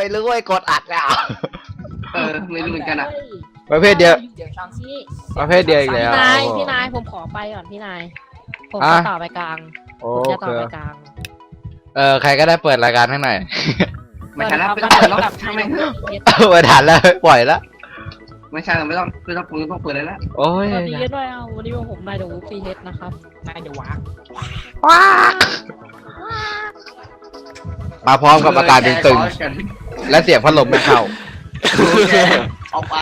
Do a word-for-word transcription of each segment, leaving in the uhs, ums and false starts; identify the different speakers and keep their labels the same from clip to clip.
Speaker 1: รู้ไอ้กดอัดอ่ะ
Speaker 2: เออไม่รู้เหมือนกันอ่ะ
Speaker 1: ประเภทเดียว
Speaker 3: เดี๋ยวฟังซิ
Speaker 1: ประเภทเดียวอีกแล้ว
Speaker 3: พี่นายพี่นายผมขอไปก่อนพี่นายผมจะต่อไปกลาง
Speaker 1: โอ้
Speaker 3: ผมจะต่อ
Speaker 1: คือ
Speaker 3: ไปกลาง
Speaker 1: เออใครก็ได้เปิดรายการให้หน่อย
Speaker 2: ไม่ใช่แล้วไม่ต้องเปิดแล้วช่างแม่ง
Speaker 1: เปิดทันแล้วปล่อยแล้ว
Speaker 2: ไม่ใช่ไม่ต้องไม่ต้องไม่ต้องเปิดเลยแล้ว
Speaker 1: โอ้ย
Speaker 3: สวัสดีด้วยเอาวันนี้ผมนายเดอะวูฟฟีเฮดนะครับนายเดอะวาร์
Speaker 1: ว้ามาพร้อมกับอาการตึงๆและเสียงพัดลมไม่เข้า
Speaker 2: เอาไป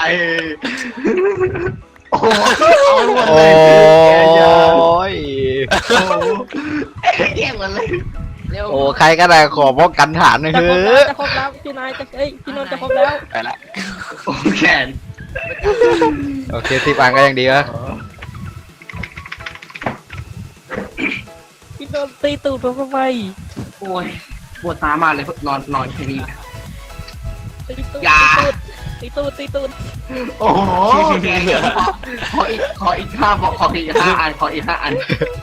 Speaker 2: โอ้โห
Speaker 1: โอ้ย
Speaker 2: แย่หมดเลย
Speaker 3: เร็ว
Speaker 1: โอ้ใครก็ได้ขอป้องกันฐานหน่อย
Speaker 3: จะ
Speaker 1: เถ
Speaker 3: ครบ
Speaker 1: อ
Speaker 3: แล้ว
Speaker 1: ะ
Speaker 3: จะครบแล้วพี่นายจะเอ้ยพี่นนท์จะครบแล้ว
Speaker 4: ไปละ
Speaker 2: โอ้แขน
Speaker 1: โอเคสิบอันก็ยังดีวะ
Speaker 3: พี่นนท์ตีตูดผมทำไม
Speaker 2: โอ้ยปวดตามากเลยนอนนอนแค่นี้
Speaker 3: ตีตูด
Speaker 2: อย่า
Speaker 3: ตีตูดตีตูด
Speaker 2: โอ้โหแกขออีกขออีกห้าบอกขออีกห้าอันขออีกห้าอัน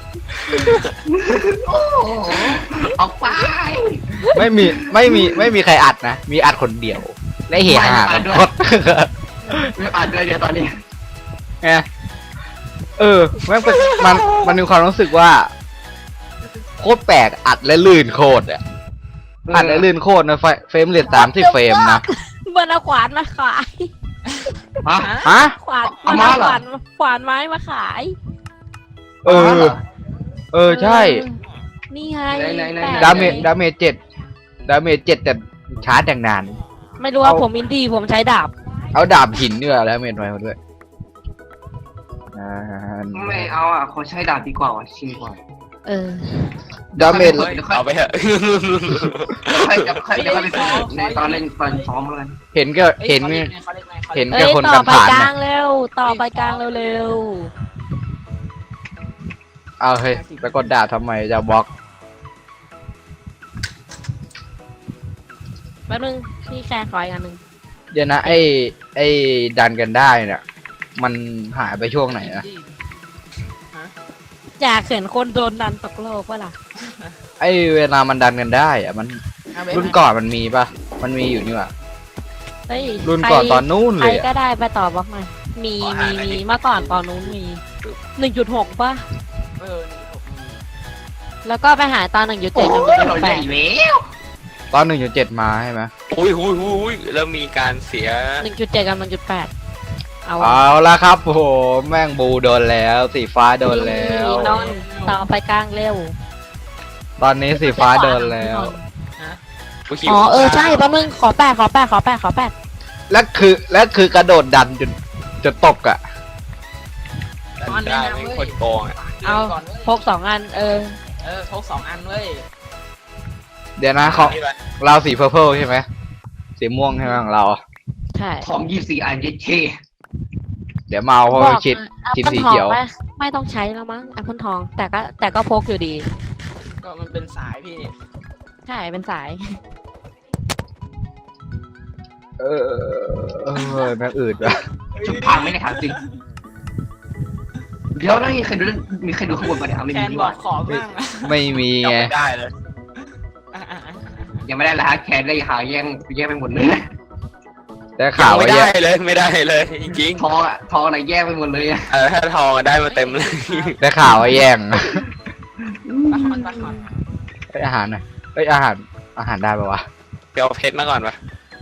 Speaker 2: โอ้โหออกไป
Speaker 1: ไม่มีไม่มีไม่มีใครอัดนะ มีอัดคนเดียวและเหี่ยหากันหมด
Speaker 2: ไม่อ่านเลยเดี๋ยวตอนนี้
Speaker 1: ไงเออแม่งเป็นมันมันมีความรู้สึกว่าโคตรแปลกอัดและลื่นโคตรอ่ะอัดและลื่นโคตรนะไฟเฟรมเรทสามสิบเฟรมนะ
Speaker 3: เบอร์เอาขวานมาขาย
Speaker 2: ฮะ
Speaker 1: ฮะ
Speaker 3: ขวาน
Speaker 2: เอามาเหรอ
Speaker 3: ขวานขวานไม้มาขาย
Speaker 1: เออ เออใช่
Speaker 3: นี่ไง
Speaker 2: ไหนๆๆ
Speaker 3: แป
Speaker 1: ดาเมจดาเมจเจ็ดดาเมจเจ็ดแต่ชาร์จอย่างนาน
Speaker 3: ไม่รู้ว่า
Speaker 1: เอา
Speaker 3: ผมอินดี้ผมใช้ดาบ
Speaker 1: เอาดาบหินด้วยแล้วเมจไว้มาด้วยอ่า
Speaker 2: ไม่เอาอ่ะขอใช้ดาบดีกว่าว่ะชิงกว่า
Speaker 3: เออ
Speaker 1: ดาเมจ
Speaker 4: เอาไปเถอะ
Speaker 2: ใครจะใครจะไปฝึกในตอนเล่นตอนซ้อมแล้วกัน
Speaker 1: เห็นก็เห็นเห็น
Speaker 3: เอ้
Speaker 1: แค่
Speaker 3: ย
Speaker 1: คน
Speaker 3: ต่
Speaker 1: กั
Speaker 3: อน ไป
Speaker 1: ผ่าน
Speaker 3: กลา
Speaker 1: นะ
Speaker 3: งเร็ว ต่อไปกลางเร็ว
Speaker 1: เอาเฮ้ยไปกดดาบทำไมจะบล็อก
Speaker 3: ๆแป๊บนึงพี่แคร์ขออีกอันหนึ่ง
Speaker 1: เดี๋ยวนะไอ้ไอ้ดันกันได้เนี่ยมันหายไปช่วงไหนนะ
Speaker 3: อยากเห็นคนโดนดันตกโลกวะล่ะ
Speaker 1: ไอ้เวลามันดันกันได้อะมันรุ่นก่อนมันมีปะมันมีอยู่นี่หว่า
Speaker 3: เฮ้ย
Speaker 1: รุ่นก่อน
Speaker 3: ใค
Speaker 1: ตอนนู้น
Speaker 3: ใค
Speaker 1: เล
Speaker 3: ร
Speaker 1: ย
Speaker 3: ก็
Speaker 1: อะ
Speaker 3: ได้ไปต่อบล็อกหน่อยมีมีมีเมื่อก่อนตอนนู้นมีหนึ่งจุดหกป่ะ
Speaker 4: เออ
Speaker 3: แล้วก็ไปหาตอนหนึ่งจุดเจ็ดหนึ่งจุด
Speaker 2: เรา
Speaker 3: แป
Speaker 2: ใหญ่
Speaker 3: ด
Speaker 2: แล้ว
Speaker 1: ตอนหนึ่งจุดเจ็ดมาใช่ไหม
Speaker 4: อุ้ยอุ้ยอุ้ยแล้วมีการเสีย
Speaker 3: หนึ่งจุดเจ็ดกับหนึ่งจุดแปดเอาวะ
Speaker 1: เอาละครับโอ้โหแม่งบูโดนแล้ว สีฟ้าโดนแล้ว
Speaker 3: นอนต่อไปกลางเร็ว
Speaker 1: ตอนนี้สีฟ้าโดนแล้ว
Speaker 3: อ๋อเออใช่แป๊บนึงขอแปดขอแปดขอแปดขอแปด
Speaker 1: และคือและคือกระโดดดันจนจะตกอ่ะ
Speaker 4: ได้ไม่คนโกงอ่ะ
Speaker 3: เอาพกสองอันเออ
Speaker 5: เออพกสองอันเว้ย
Speaker 1: เดี๋ยวนะเขาเราสีเพอร์เพลใช่ไหมสีม่วงใช่ไหมของเรา
Speaker 3: ใช่
Speaker 2: ของยี่สี่อันเย็ดเท่
Speaker 1: เดี๋ยวมาเอาเพราะว่าชิด
Speaker 3: แอป
Speaker 1: ชิด
Speaker 3: เปิล
Speaker 1: สี
Speaker 3: ทอง
Speaker 1: เขียว
Speaker 3: ไหมไม่ต้องใช้แล้วมั้งแอปเปิลทอง แต่ก็แต่ก็พกอยู่ดี
Speaker 5: ก็มันเป็นสายพี่
Speaker 3: ใช่เป็นสาย
Speaker 1: เออเออแม่งอืดว่ะ
Speaker 2: ชุดพังไม่ได้ถามจริงเดี๋ยวนะมีใครดูมีใครดูข้างบนปะเนี่ยเอาไม่
Speaker 5: แค
Speaker 2: มี
Speaker 5: น
Speaker 2: ดี
Speaker 5: บ
Speaker 2: ก
Speaker 5: อ
Speaker 2: ว่าก
Speaker 5: ขอบ้างนะ
Speaker 1: ไม่มี
Speaker 4: ยัง
Speaker 1: ไง
Speaker 4: ไม่ได้เลย
Speaker 5: อ่ะอ่ะอ่ะอ่ะ
Speaker 2: ยังไม่ได้ละฮะแคนได้หาแย่งแย่งไปหมดเลย
Speaker 1: แต่
Speaker 4: ยั
Speaker 1: ข่าง ว
Speaker 4: ไม่
Speaker 1: ว่า
Speaker 4: ได้
Speaker 1: แย่
Speaker 4: เลยไม่ได้เลยจริง
Speaker 2: ทองอะทองอะไรแย่งไปหมดเลยอะ
Speaker 4: ๆเออถ้าทองอะได้มาเต็มเลย
Speaker 1: แต่ข่าวว่าแย่ง
Speaker 5: ตะขอนตะขอน
Speaker 1: เอ้ยอาหารหน่อยเอ้ยอาหารอาหารได้ปะวะ
Speaker 4: ไปเอาเพชรมาก่อนปะ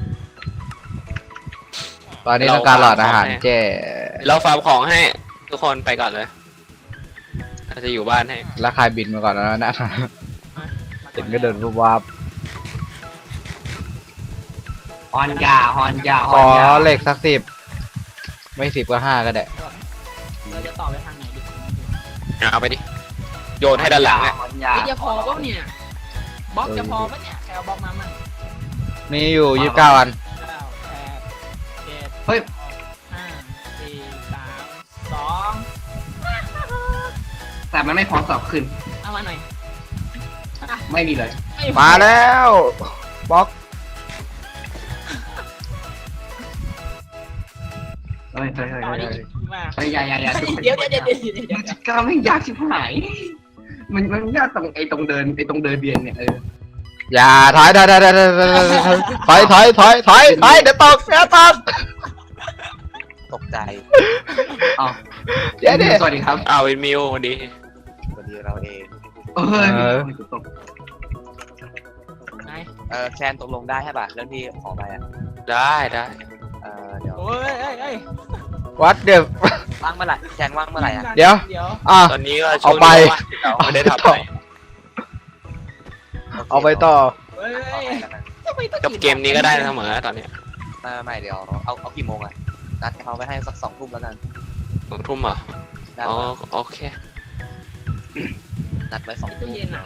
Speaker 1: ตอนนี้ต้องการหลอดอาหารแจ้
Speaker 4: เราฟาร์มของให้ทุกคนไปก่อนเลยเราจะอยู่บ้านให้
Speaker 1: แล้วใครบินมาก่อนแล้วนะเห็นก็เดินรูปวาบ
Speaker 2: ฮอนยาฮอนยา
Speaker 1: ข
Speaker 2: ฮอ
Speaker 1: อน
Speaker 2: ยา
Speaker 1: เหล็กสักสิบไม่สิบก็ห้าก็ได้
Speaker 5: เราจะต่อไปทางไหนดี
Speaker 4: เอาไปดิโยนให้ด้านหลังอ่ะ
Speaker 2: ฮอนยา
Speaker 5: เฮ้ยจะพอป่ะเนี่ยบล็อกจะพอป่ะเนี่ยใครเอาบล็อกมามั่ง
Speaker 1: มีอยู่ยี่สิบเก้าอัน
Speaker 5: เก้าแปดเจ็ด
Speaker 2: เฮ้ย
Speaker 5: ห้าสี่สามสอง
Speaker 2: แต่มันไม่พร้อมสอบขึ้น
Speaker 5: เอามาหน่อย
Speaker 2: ไม่มีเลย
Speaker 5: ไพอ
Speaker 1: มาแล้วบล็อก
Speaker 2: เฮ้ยเฮ้ยเฮ้ย
Speaker 5: ต่อ
Speaker 2: เฮ้ย
Speaker 5: ดิ
Speaker 2: เฮ้ย
Speaker 5: มา
Speaker 2: เฮ้ยอย่าอย่าอย่า
Speaker 5: เดี๋ยวเดี๋ยวเดี๋ยวเดี๋ยวเดี๋ยวเดี๋ยว
Speaker 2: มันกล้าไม่ยากชิบหายมันมันยากตรงไอ้ตรงเดินไอ้ตรงเดินเบียนเนี่ยเออ
Speaker 1: อย่าถอยถอยถอยถอยถอยถอยถอยถอยถอยเดี๋ยวตกเดี๋ยวตก
Speaker 6: ตกใจ
Speaker 2: เอา
Speaker 1: เดี๋ยวดิ
Speaker 2: สวัสดีครับ
Speaker 4: อ้าวเป็นมิววันดี
Speaker 6: พอดีเราเอง
Speaker 2: เออ
Speaker 1: เออ
Speaker 2: มีคนตก
Speaker 5: ไหน
Speaker 6: เออแคนตกลงได้ใช่ป่ะเรื่องที่ขอไปอ่ะ
Speaker 4: ได้ได้
Speaker 6: เออเดี๋ยว
Speaker 5: โอ้ยเอ้ยเอ้ย
Speaker 1: วัดเดี๋ยว
Speaker 6: ว่างเมื่อไหร่แคนว่างเมื่อไหร่อ่ะ
Speaker 1: เดี๋ยว
Speaker 5: เดี๋ยว
Speaker 1: อ่ะ
Speaker 4: ตอนนี้ก็
Speaker 1: เอาไป
Speaker 4: ช่วงนี้ว่างเราไม่ได้ทำอะไร
Speaker 1: เอาไปต่อ
Speaker 5: เฮ้ย
Speaker 6: เอา
Speaker 5: เอ้ย
Speaker 6: ไปแล้วกัน
Speaker 5: ทำไมต้อง
Speaker 4: กับเกมนี้ก็ได้เสมอตอนเนี้ย
Speaker 6: ไม่ไม่ไม่เดี๋ยวเอาเอากี่โมงอ่ะนัดเขาไปให้สักสองทุ่มแล้วกัน
Speaker 4: สองทุ่มเหรอ
Speaker 6: ได้
Speaker 4: อ๋อ
Speaker 6: ปะ
Speaker 4: โอเค
Speaker 6: นัดไว้สองทุ่
Speaker 5: ตู้
Speaker 6: ม
Speaker 5: เย็นอ่ะ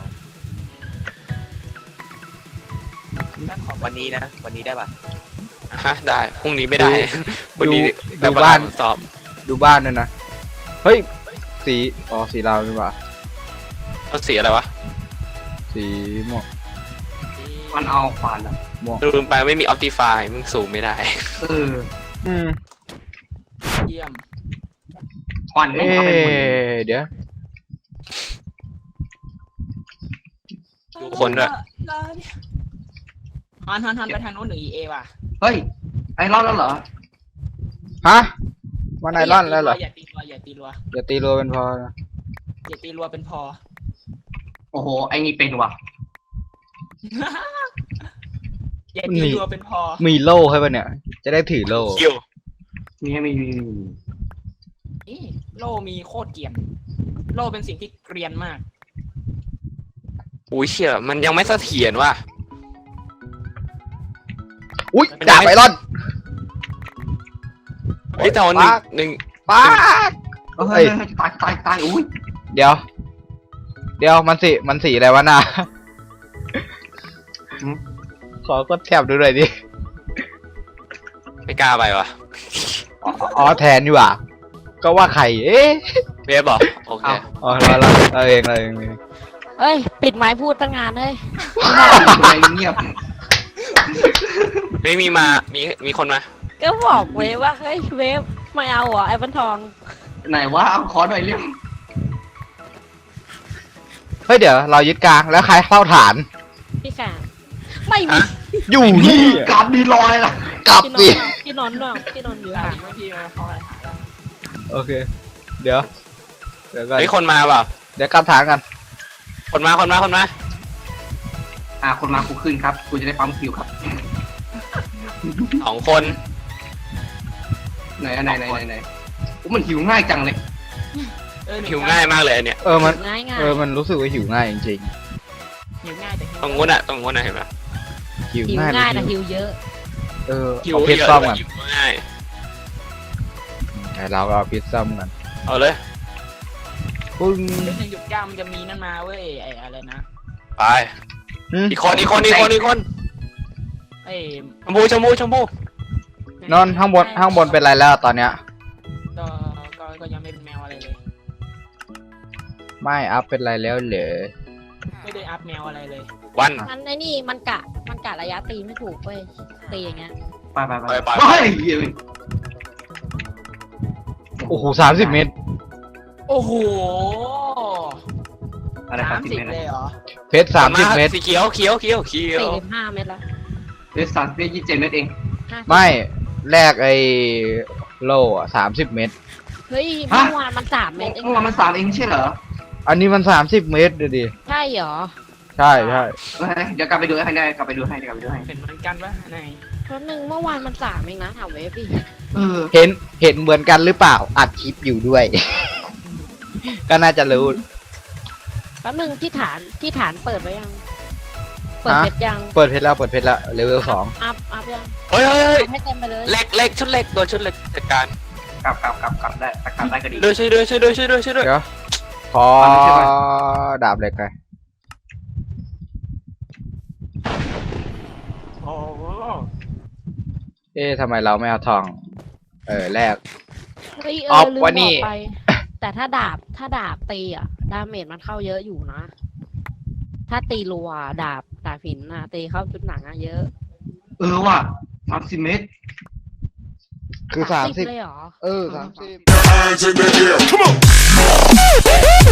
Speaker 5: นัดขอ
Speaker 6: วันนี้นะวันนี้ได้ป่ะ
Speaker 4: ฮะได้พรุ่งนี้ไม่ได้วันนี้
Speaker 1: ดู
Speaker 4: แต่
Speaker 1: ดูบ้าน
Speaker 4: สอบ
Speaker 1: ดูบ้านด้วยนะ เฮ้ย สี อ๋อ สีเราดีกว่า
Speaker 4: เอาสีอะไรวะ
Speaker 1: สีม่วง
Speaker 2: มันเอาขวานอะ
Speaker 1: ม่วง
Speaker 4: ลืมไปไม่มีออ t ติฟายมึงสูงไม่ได้
Speaker 2: เออ
Speaker 1: อืม
Speaker 5: เยี่ยม
Speaker 2: ขวานไม่
Speaker 1: เอ๊
Speaker 2: เอาไปหมด
Speaker 1: ะเดี๋ยว
Speaker 4: ดูคนด้วย
Speaker 5: ฮันฮันฮันไปทางโน้นหรือ อี เอ ว่ะ
Speaker 2: เฮ้ย ไอ้รอดแล้วเหรอ
Speaker 1: ฮะวันไอรอนแล้วเหรอ
Speaker 5: อย่าตีรัวอย่าตีรัว
Speaker 1: อย่าตีรัวเป็นพอนะ
Speaker 5: อย่าตีรัวเป็นพอ
Speaker 2: โอ้โห ไอ้นี่เป็นว่ะ
Speaker 5: อย่าตีรัวเป็นพอ
Speaker 1: มีโล่ให้ป่ะเนี่ย จะได้ถือโล่
Speaker 4: คิว
Speaker 2: มีมีมีมี
Speaker 5: นี่โล่มีโคตรเกรียนโล่เป็นสิ่งที่เกรียนมาก
Speaker 4: อุ้ยเชี่ยมันยังไม่เสถียรว่ะ
Speaker 1: อุ้ยดาบไอรอน
Speaker 4: เฮ้ยแต่วันหนึ่งหนึ่ง
Speaker 1: ป้าด
Speaker 2: เฮ้
Speaker 1: เฮ้
Speaker 2: ย
Speaker 1: ย
Speaker 2: ตายตายตายอุ้ย
Speaker 1: เดี๋ยว เดี๋ยวมันสีมันสีอะไรวะน่ะขอกดแถบดูหน่อยดิ
Speaker 4: ไม่กล้าไปว่ะ
Speaker 1: อ๋อแทนดีกว่า ก็ว่าใคร เอ๊ะ
Speaker 4: เวฟบอกโอเค
Speaker 1: อ๋อเราเราเราเองเราเอง
Speaker 3: เอ้ย ปิดไม้พูดตั้งงานเลย
Speaker 2: อะไรเงียบ
Speaker 4: ไม่มีมามีมีคนมา
Speaker 3: ก็บอกเวฟว่าเฮ้ยเวฟไม่เอาเหรอไอ้บันทอง
Speaker 2: ไหนว่าเอาขอหน่อยเร็ว
Speaker 1: เฮ้ยเดี๋ยวเรายึดกลางแล้วใครเข้าฐาน
Speaker 3: พี่แขกไม่มี
Speaker 4: ฮะ
Speaker 1: อยู่นี่
Speaker 2: การดีลอยล่ะ
Speaker 1: กลับ
Speaker 3: พี่นน
Speaker 1: สิ
Speaker 3: ท์อะพี่นนท์เนาะพี่นนท์อยู่
Speaker 5: อ่ะ
Speaker 3: ห่าง
Speaker 5: บางทีมันเข้าอะไรหาแล้ว
Speaker 1: โอเค เดี๋ยว เดี๋ยวก่อน
Speaker 4: เฮ้ยคนมาเปล่า
Speaker 1: เดี๋ยวกลับฐานกัน
Speaker 4: คนมาคนมาคนมา
Speaker 2: อ่าคนมากูขึ้นครับกูจะได้ปั๊มคิวครับ
Speaker 4: สองคน
Speaker 2: ไหนไหนไหนไหนไหนโอ้มันหิวง่ายจังเลย
Speaker 5: เออนึ่
Speaker 4: หิวง่ายมากเลยอันเนี่ย
Speaker 1: เออมัน
Speaker 3: ง่ายง่าย
Speaker 1: เออมันรู้สึกว่าหิวง่ายจริง
Speaker 5: หิวง่ายแต่หิว
Speaker 4: ตรงนู้นอะตรงนู้นอะเห็นปะ
Speaker 1: ๆหิว
Speaker 3: หิว
Speaker 1: ง่าย
Speaker 3: ง่ายแต่
Speaker 1: หรือ
Speaker 3: หิวเยอะ
Speaker 1: เออ
Speaker 4: หิว
Speaker 1: เอาพิซ
Speaker 4: เยอะ
Speaker 1: ซ่อม
Speaker 4: ด้ว
Speaker 1: กั
Speaker 4: ย
Speaker 1: น
Speaker 4: หิวง่าย
Speaker 1: แต่เราก็เอาพิซซ่อมกัน
Speaker 4: เอาเลย
Speaker 1: ปึ้ง
Speaker 5: เดี๋ยวในหยุดกล้ามมันจะมีนั่นมาเว้ยไอ้อะไรนะ
Speaker 4: ไป
Speaker 1: หึ
Speaker 4: อีกคนอีกคนอีกคนอีกคน
Speaker 5: ไอ้
Speaker 4: ชมพูชมพูชมพู
Speaker 1: นอนข้างบนข้างบนเป็นไรแล้วตอนเนี้ย
Speaker 5: ก็ก็ก็ยังไม่เป็นแมวอะไรเลย
Speaker 1: ไม่อัพเป็นไรแล้วเหรอ
Speaker 5: ไม่ได้อัพแมวอะไรเลย
Speaker 4: วัน
Speaker 3: มันไอ้นี่มันกะมันกะระยะตีไม่ถูกเว้ยตีอย่างเงี้ย
Speaker 2: ไปไปไป
Speaker 4: ไปไป
Speaker 2: เฮ้ยเหี้ย
Speaker 1: โอ้โหสามสิบเมตร
Speaker 5: โอ้โห
Speaker 2: อะไรค
Speaker 5: สา
Speaker 2: รับ
Speaker 5: ม
Speaker 2: สิบ
Speaker 5: สิบ
Speaker 2: เมตร
Speaker 5: เลยเหรอ
Speaker 1: เพชรสามสิบเมตร
Speaker 4: สีเขียวเขียวเขียวเขียว
Speaker 3: สี่สิบห้าเมตรละ
Speaker 2: เอสสามสิบเมตรยี่สิบเจ็ดเมตรเอง
Speaker 3: ห้าสิบ
Speaker 1: ไม่แลกไอ้โล่อะสามสิบเมตร
Speaker 3: เฮ้ยเมื่อวานมันสามเมตรเอง
Speaker 2: เมื่อวานมันสามเองไม่ใช่เหรอ
Speaker 1: อันนี้มันสามสิบเมตรเดี๋ยวดิ
Speaker 3: ใช่เหรอ
Speaker 1: ใช่ใช่
Speaker 2: เฮ้ยเดี๋ยวกลับไปดูให้ได้กลับไปดูให้เดี๋ยวกลับไปดูให้
Speaker 5: เป็นเหมือนกันปะไหน
Speaker 3: เพราะหนึ่งเมื่อวานมันสามเองนะถามเวฟดิ
Speaker 2: เออ
Speaker 1: เห็นเห็นเหมือนกันหรือเปล่าอัดคลิปอยู่ด้วย ก็น่าจะรู้
Speaker 3: แป๊บนึงที่ฐานที่ฐานเปิดไว้ยัง เปิด
Speaker 1: ฮะ
Speaker 3: เพชรยัง
Speaker 1: เปิดเพชรแล้วเปิดเพชรแล้วเลเวลสอง
Speaker 3: อัพอัพยัง
Speaker 4: เฮ้ยเฮ้ยเฮ้ย
Speaker 3: อัพให้เต็มไปเลย
Speaker 4: เล็กเล็กชุดเล็กโดนชุดเล็กจัดการ
Speaker 2: กลับกลับกลับกลับได้แต่กลับได้ก็ดี
Speaker 4: ด้วยช่วยด้วยช่วยด้วยช่วยด้วยช่วยด้วย
Speaker 1: เดี๋ยวขอ
Speaker 2: เอาไปใช่ไหม
Speaker 1: ดาบเหล็กไป
Speaker 5: โอ้โห
Speaker 1: เอ๊ะทำไมเราไม่เอาทอง เออแลก
Speaker 3: เฮ้ยเอ
Speaker 1: ออ
Speaker 3: อ
Speaker 1: ฟ
Speaker 3: ลืม
Speaker 1: วะ
Speaker 3: บ
Speaker 1: นี่
Speaker 3: อกไป แต่ถ้าดาบถ้าดาบตีอ่ะ ดาเมจมันเข้าเยอะอยู่นะ ถ้าตีรัวดาบดาบหินนะตีเข้าจุดหนังอะเยอะ
Speaker 2: เออว่ะสามสิบเมตร
Speaker 1: คือสามสิบ
Speaker 3: เลยเหรอ
Speaker 1: เออสามสิบ
Speaker 7: Hands in the air. Come on.